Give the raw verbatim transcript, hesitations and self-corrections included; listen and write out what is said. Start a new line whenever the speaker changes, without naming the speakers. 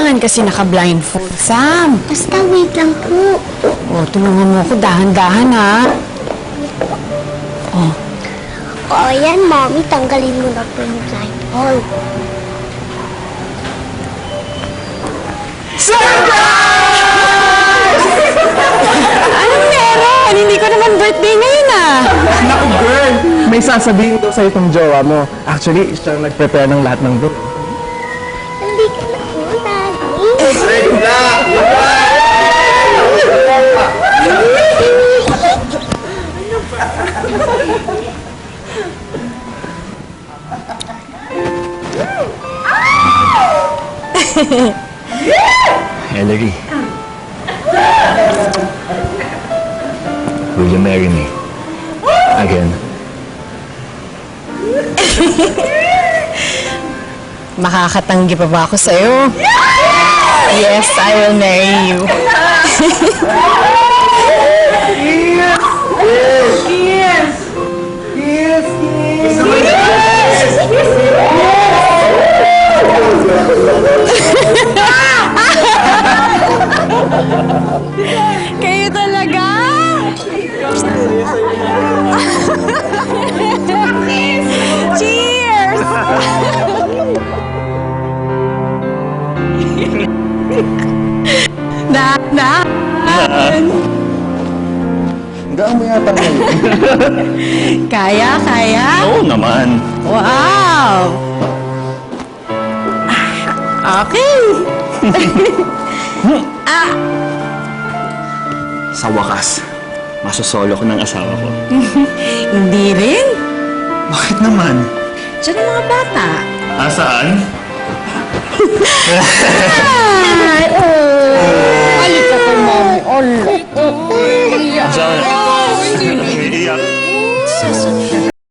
naman kasi naka-blindfold, Sam.
Basta wait lang po.
O, tulungan mo ako dahan-dahan, ha? Oh.
O, ayan, Mommy. Tanggalin mo na po yung blindfold.
Anong meron? Hindi ko naman birthday ngayon, ah.
Naku, girl! May sasabihin daw sa itong jowa mo. Actually, siya ang nag-prepare ng lahat ng book.
Hindi ka na po, Daddy.
Ellery. Will you marry me? Again?
Makakatanggi pa ba ako sa'yo? Yes, I will marry you. Kayo talaga? Cheers! na, na.
Gaan mo yata ngayon.
Kaya, kaya?
Oo naman.
Wow! Okay. ah,
Sa wakas, masosolo ko ng asawa ko.
hindi rin.
Bakit naman?
Diyan ang mga bata.
Ah, saan?
Ah!